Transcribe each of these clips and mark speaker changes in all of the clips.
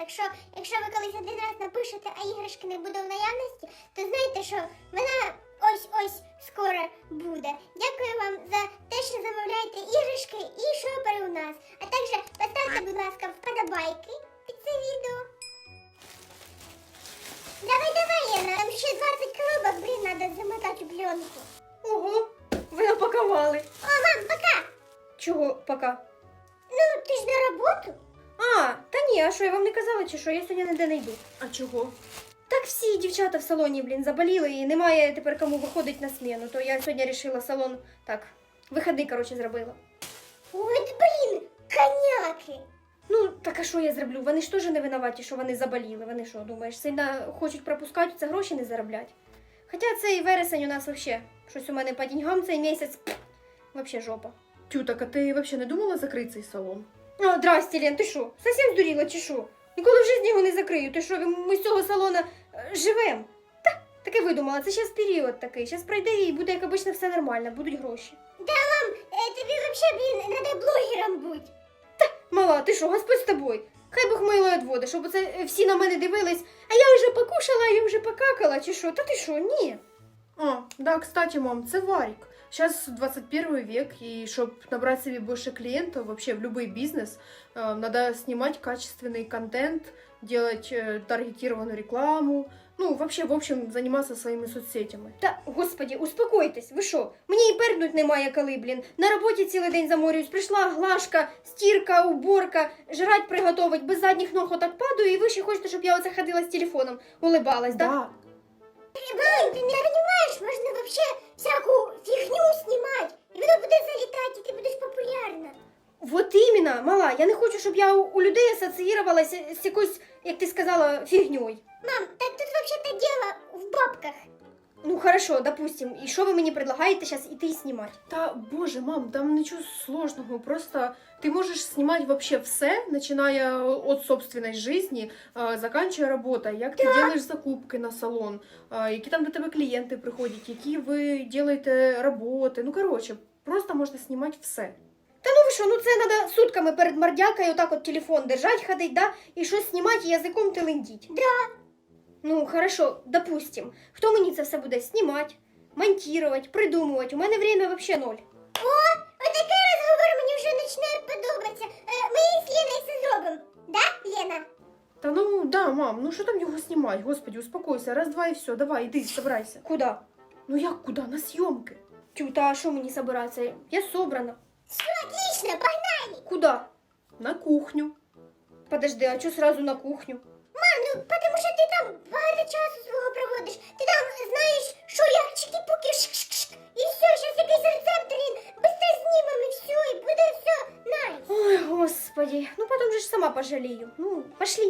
Speaker 1: якщо ви колись один раз напишете, а іграшки не буде в наявності, то знайте, що вона ось скоро буде. Дякую вам за те, що замовляєте іграшки і шопери у нас. А також поставте, будь ласка, вподобайки під це відео. Давай, Лена, там ще 20 коробок, треба замотати у пленку.
Speaker 2: Ого, ви напакували.
Speaker 1: О, мам, пока!
Speaker 2: Чого пока?
Speaker 1: Ну, ти ж на роботу.
Speaker 2: А, та ні, а що, я вам не казала, чи що? Я сьогодні ніде не йду.
Speaker 3: А чого?
Speaker 2: Так всі дівчата в салоні, заболіли і немає тепер кому виходить на зміну. То я сьогодні вирішила салон, так, виходи, коротше, зробила.
Speaker 1: От, коняки.
Speaker 2: Ну, так а що я зроблю? Вони ж теж не винуваті, що вони заболіли. Вони що, думаєш, сильно хочуть пропускати, це гроші не зароблять? Хоча цей вересень у нас взагалі, щось у мене по деньгам цей місяць, взагалі жопа.
Speaker 3: Тю, так а ти взагалі не думала закрити цей салон?
Speaker 2: О, здрасте, Лен, ти що, совсем здуріла чи що? Ніколи в житті його не закрию, ти що, ми з цього салона живемо? Та, таке видумала, це зараз період такий, зараз пройде і буде, як обично, все нормально, будуть гроші.
Speaker 1: Да, мам, тобі взагалі, треба блогером бути.
Speaker 2: Мала, ти що, Господь з тобою? Хай Бог мило відводи, щоб оце всі на мене дивились, а я вже покушала, я вже покакала, чи що? Та ти що, ні.
Speaker 3: А, да, кстати, мам, це Варик. Сейчас 21 век, и чтобы набрать себе больше клиентов, вообще в любой бизнес, надо снимать качественный контент, делать таргетированную рекламу, ну, вообще, в общем, заниматься своими соцсетями.
Speaker 2: Та, господі, успокойтесь, ви що? Мені і перднуть немає коли, блін. На роботі цілий день заморююсь, прийшла глажка, стірка, уборка, жрать приготовить, без задніх ног отак падаю, і ви ще хочете, щоб я оце ходила з телефоном, улибалась, да?
Speaker 3: Да.
Speaker 1: Мам, ты не понимаешь, можно вообще всякую фигню снимать, и воно буде залітати, і ти будеш популярна.
Speaker 2: Вот іменно, мала, я не хочу, щоб я у людей асоціювалася з якоюсь, як ти сказала, фігньою.
Speaker 1: Мам, так тут вообще-то дело в бабках.
Speaker 2: Ну, хорошо, допустим. І що ви мені предлагаєте зараз іти і знімати?
Speaker 3: Та, боже, мам, там ничего сложного, просто ты можешь снимать вообще все, начиная от собственной жизни, заканчивая работой, як ти делаешь закупки на салон, які там до тебе клієнти приходять, які ви делаєте роботи, ну, короче, просто можна знімати все.
Speaker 2: Та ну ви що, ну це треба сутками перед мордякою отак от телефон держать, ходить, да? І щось знімати і язиком телендіть.
Speaker 1: Да.
Speaker 2: Ну, хорошо, допустим. Хто мені це все буде знімати, монтувати, придумувати? У мене время вообще ноль.
Speaker 1: О, отакий розговор мені вже починає подобатися. Ми з Леною все зробимо. Да, Лена?
Speaker 3: Та ну, да, мам, ну що там його знімати, господи, успокойся, раз-два і все, давай, іди, собирайся.
Speaker 2: Куди?
Speaker 3: Ну як куди? На зйомки.
Speaker 2: Тю, та що мені собиратися? Я собрана.
Speaker 1: Все, отлично, погнали.
Speaker 2: Куди?
Speaker 3: На кухню.
Speaker 2: Подожди, а чого сразу на кухню?
Speaker 1: Мам, ну потому що ти там багато часу свого проводиш. Ти там знаєш, що як чики-пуки, шк-шк-шк. І все, зараз якийсь рецепт, быстро знімемо і все, і буде все найс.
Speaker 2: Ой, господи, ну потом же ж сама пожалею. Ну, пошли.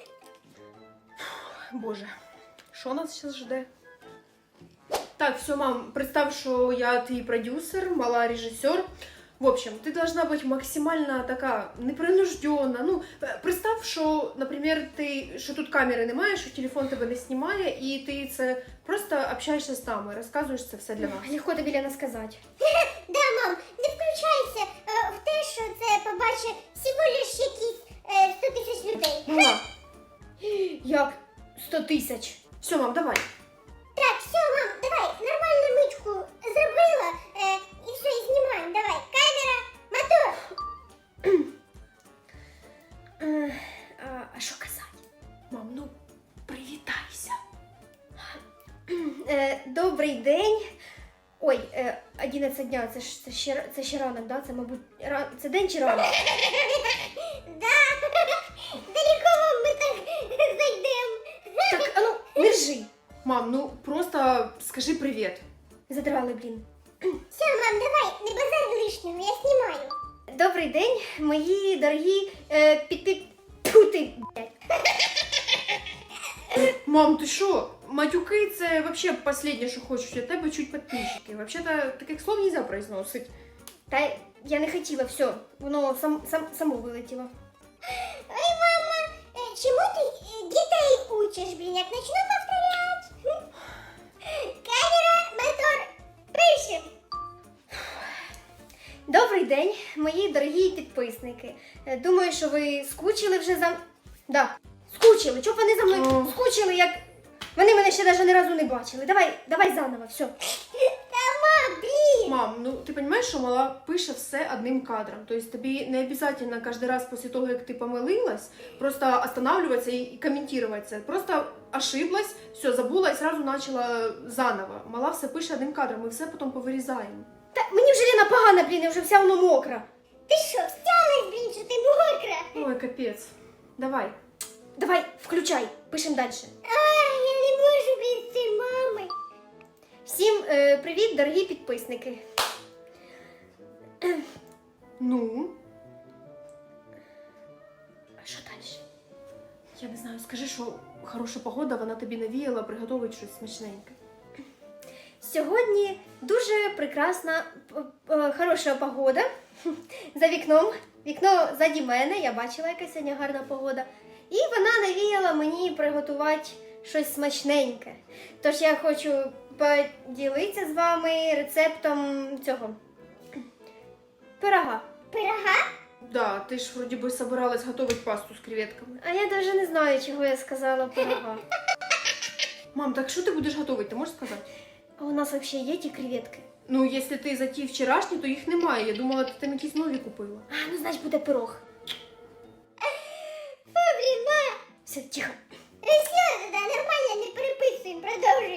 Speaker 3: Боже, що нас зараз жде? Так, все, мам, представь, что я ты продюсер, мала режиссер. В общем, ты должна быть максимально такая непринужденна. Ну, представь, що, наприклад, що тут камери немає, що телефон тебе не знімає, і ти це просто общаєшся з нами, розказуєш це все для нас.
Speaker 2: Легко тобі, Лена, сказати.
Speaker 1: Да, мам, не включайся в те, що це побачить всього лиш якісь 100 тисяч людей.
Speaker 3: Мама,
Speaker 2: Як 100 тисяч?
Speaker 3: все, мам, давай.
Speaker 1: Так, все, мам, давай, нормальну мичку зробила, і все, і знімаємо, давай. Камера, мотор.
Speaker 2: А що казати?
Speaker 3: Мам, ну, привітайся.
Speaker 2: Добрий день. Ой, 11 дня, це ще ранок, да? Це, мабуть, це день чи ранок?
Speaker 1: Да, далеко ми так зайдемо.
Speaker 2: Так, а ну, держи.
Speaker 3: Мам, ну, просто скажи привіт.
Speaker 2: Задрали, блін.
Speaker 1: Все, мам, давай, не базар лишнього, я знімаю.
Speaker 2: Добрий день, мої дорогі пути, блядь.
Speaker 3: Мам, ти що? Матюки це вообще последнє, що хочуть від тебе чуть підписчики. Вообще-то таких слов нельзя произносити.
Speaker 2: Та я не хотіла, все, воно само вилетіло.
Speaker 1: Ой, мама, чому ти дітей учиш, блін, як начну повторять? Камера, мотор, пишем.
Speaker 2: Добрий день, мої дорогі підписники. Думаю, що ви скучили вже за... Да, скучили, щоб вони за мною
Speaker 3: О.
Speaker 2: скучили, як вони мене ще навіть ні разу не бачили. Давай заново, все.
Speaker 3: Мам, ну ти розумієш, що мала пише все одним кадром. Тобто тобі не обов'язково кожен раз після того, як ти помилилась, просто останавливатися і коментувати це. Просто ошиблась, все, забула і одразу почала заново. Мала все пише одним кадром, ми все потім повирізаємо.
Speaker 2: Та мені вже Лена погана, блін, я вже вся воно мокра.
Speaker 1: Ти що, встялась, блін, що ти мокра?
Speaker 3: Ой, капець. Давай.
Speaker 2: Давай, включай, пишемо далі.
Speaker 1: Ай, я не можу, блін, з цією мамою.
Speaker 2: Всім привіт, дорогі підписники.
Speaker 3: Ну,
Speaker 2: А що далі?
Speaker 3: я не знаю, скажи, що хороша погода, вона тобі навіяла приготувати щось смачненьке.
Speaker 2: Сьогодні дуже прекрасна, хороша погода. За вікном. Вікно заді мене, я бачила, яка сьогодні гарна погода. І вона навіяла мені приготувати щось смачненьке. Тож я хочу поділитися з вами рецептом цього пирога.
Speaker 1: Пирога?
Speaker 3: Да, ти ж вроді би собиралась готувати пасту з креветками.
Speaker 2: А я навіть не знаю, чого я сказала пирога.
Speaker 3: Мам, так що ти будеш готувати, ти можеш сказати?
Speaker 2: А у нас взагалі є ті креветки?
Speaker 3: Ну, якщо ти за ті вчорашні, то їх немає. Я думала, ти там якісь нові купила.
Speaker 2: А, ну значить буде пирог.
Speaker 1: Фу, блін, ма.
Speaker 2: Все, тихо.
Speaker 1: Все, да, нормально, не переписуємо, продовжуй.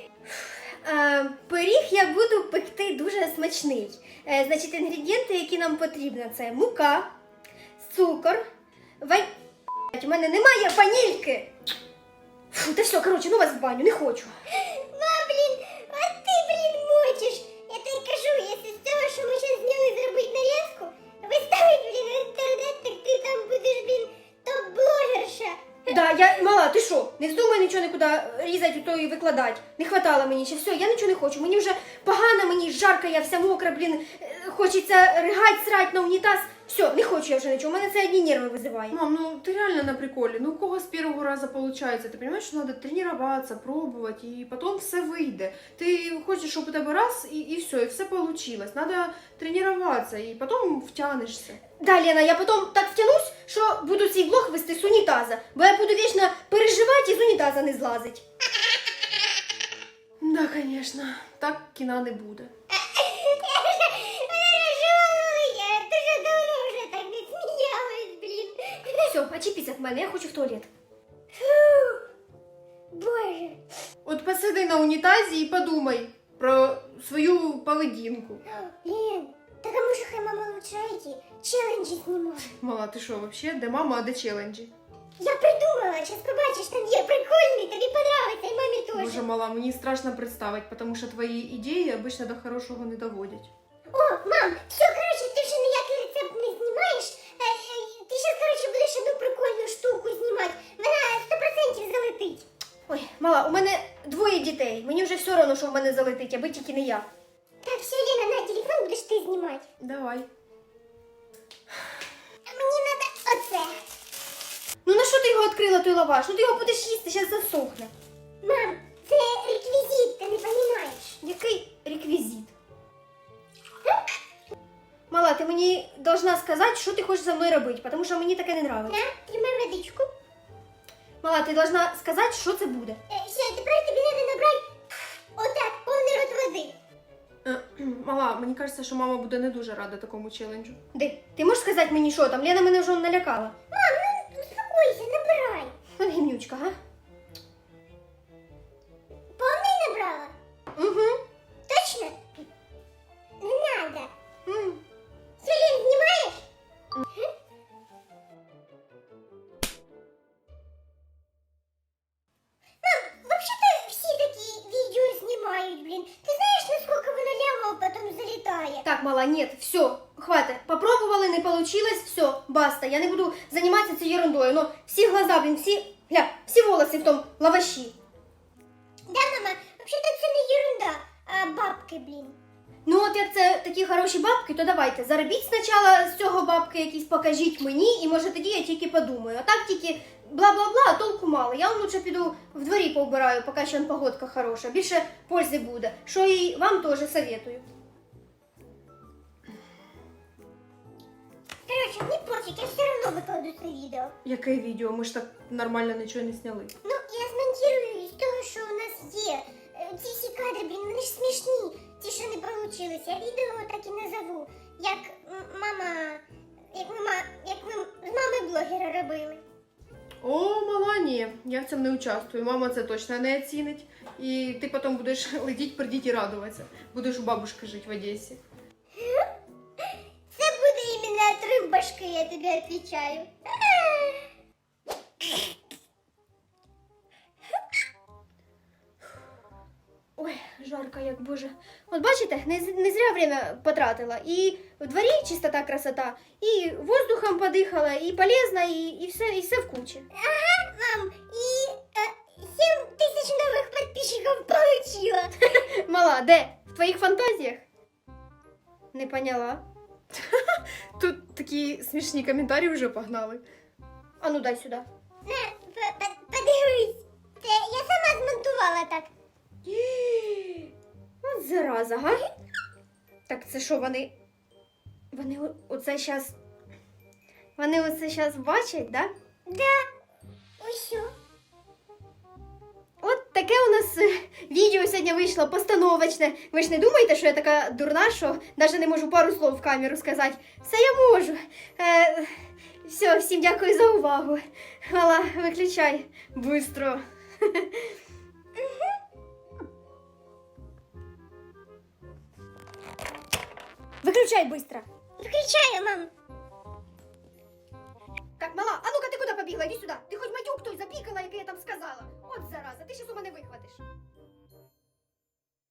Speaker 2: Пиріг я буду пекти дуже смачний. Значить, інгредієнти, які нам потрібні, це мука, цукор, У мене немає ванільки. Фу, та все, коротше, ну вас в баню, не хочу.
Speaker 1: Ма, блін, а ти, блін, мочиш. Я тобі кажу, якщо з цього, що ми зараз зняли зробити нарізку, виставить, блін, в інтернет, так ти там будеш, блін, топ-блогерша.
Speaker 2: Да, я мала, ти що? Не вздумай нічого нікуди різати то і викладати. Не хватало мені ще. Все, я нічого не хочу. Мені вже погано, мені жарко, я вся мокра, блін. Хочеться ригать, срать на унітаз. Все, не хочу я вже нічого. У мене це одні нерви визиває.
Speaker 3: Мам, ну ты реально на приколе. Ну у кого с первого раза получается? Ты понимаешь, что надо тренироваться, пробовать, и потом все выйдет. Ты хочешь, чтобы у тебя раз, и все, и все получилось. Надо тренироваться, и потом втянешься.
Speaker 2: Да, Лена, я потім так втянусь, що буду цей влог вести з унітаза. Бо я буду вічно переживати і з унітаза не злазить.
Speaker 3: Да, конечно. Так кіна не буде.
Speaker 1: Я дуже давно вже так не сміялась, блін.
Speaker 2: Все, очіпіться від мене, я хочу в туалет.
Speaker 1: Боже.
Speaker 3: От посиди на унітазі і подумай про свою поведінку.
Speaker 1: Лен, так а може хай мама лучше эти челенджі знімає?
Speaker 3: Мала, ти що, вообще? Де мама, а де челенджі?
Speaker 1: Я придумала, зараз побачиш, там є прикольний, тобі понравиться, і мамі теж.
Speaker 3: Боже, мала, мені страшно представити, тому що твої ідеї обично до хорошого не доводять.
Speaker 1: О, мам, все, коротше, ти вже ніякий рецепт не знімаєш. Ти зараз, коротше, будеш одну прикольну штуку знімати. Вона 100% залетить.
Speaker 2: Ой, мала, у мене двоє дітей. Мені вже все одно, що в мене залетить, аби тільки не я.
Speaker 1: Так, все, Лена, на телефон будеш ти знімати.
Speaker 3: Давай.
Speaker 1: А мені треба оце.
Speaker 2: Ну на що ти його відкрила, той лаваш? Ну ти його будеш їсти, зараз засохне.
Speaker 1: Мам, це реквізит, ти не розумієш.
Speaker 2: Який реквізит? Мала, ти мені должна сказати, що ти хочеш за мною робити, тому що мені таке не нравиться.
Speaker 1: На, тримай водичку.
Speaker 2: Мала, ти должна сказати, що це буде.
Speaker 1: Все, тепер тобі треба набрати отак, повний рот води.
Speaker 3: Мала, мені кажеться, що мама буде не дуже рада такому челенджу.
Speaker 2: Де? Ти можеш сказати мені, що там? Лена мене вже налякала.
Speaker 1: Мам, ну успокойся, набирай.
Speaker 2: От гімнючка, га?
Speaker 1: Повний набрала?
Speaker 2: Угу.
Speaker 1: Точно? Не надо. Все, Лен, знімаєш? Мам, вообще-то всі такі відео знімають, блін. Ти знаєш, наскільки воно лямо потім залітає?
Speaker 2: Так, мала, нет, все, хватит. Попробовали, не получилось, все, баста. Я не буду заниматься этой ерундой. Но всі глаза, блин, всі волоси в том лаваші.
Speaker 1: Да, мама, вообще-то це не ерунда, а бабки, блін.
Speaker 2: Ну от як це такі хороші бабки, то давайте, заробіть спочатку з цього бабки якісь, покажіть мені, і може тоді я тільки подумаю. А так тільки бла-бла-бла, а толку мало. Я лучше піду в дворі повбираю, поки ще погодка хороша. Більше пользи буде. Що і вам теж советую.
Speaker 1: короче, не пофиг, я все равно викладу це відео.
Speaker 3: Яке відео? Ми ж так нормально нічого не сняли.
Speaker 1: Ну, я змонтирую з того, що у нас є. Ці всі кадри, блін, вони ж смішні. Ті, що не получилися. Я відео так і назову. Як ми з мами блогера робили.
Speaker 3: О, мала, ні, я в цьому не участвую. Мама це точно не оцінить. І ти потім будеш летіть, придіть і радуватися. Будеш у бабушки жити в Одесі.
Speaker 1: Це буде іменно отрыв башки, я тобі відповідаю.
Speaker 2: Ой, жарко, як боже. От бачите, не зря время потратила. І в дворі чистота, красота, і воздухом подихала, і полезно, і все в кучі.
Speaker 1: Ага, мам, і 7 тисяч нових підписчиків получила.
Speaker 2: Мала, де? В твоїх фантазіях? Не поняла.
Speaker 3: Тут такі смішні коментарі вже погнали.
Speaker 2: А ну дай сюди.
Speaker 1: На, подивись. Це я сама змонтувала так.
Speaker 2: От зараза, га? Так це що, вони оце щас... Вони оце щас бачать, да?
Speaker 1: Да. Ось що.
Speaker 2: От таке у нас відео сьогодні вийшло постановочне. Ви ж не думаєте, що я така дурна, що навіть не можу пару слов в камеру сказати. Все я можу. Все, всім дякую за увагу. Мала, виключай. Быстро. Выключай быстро.
Speaker 1: Включаю, мам.
Speaker 2: Так, мала, а ну-ка ты куда побегла? Иди сюда. Ты хоть матюк той забыла?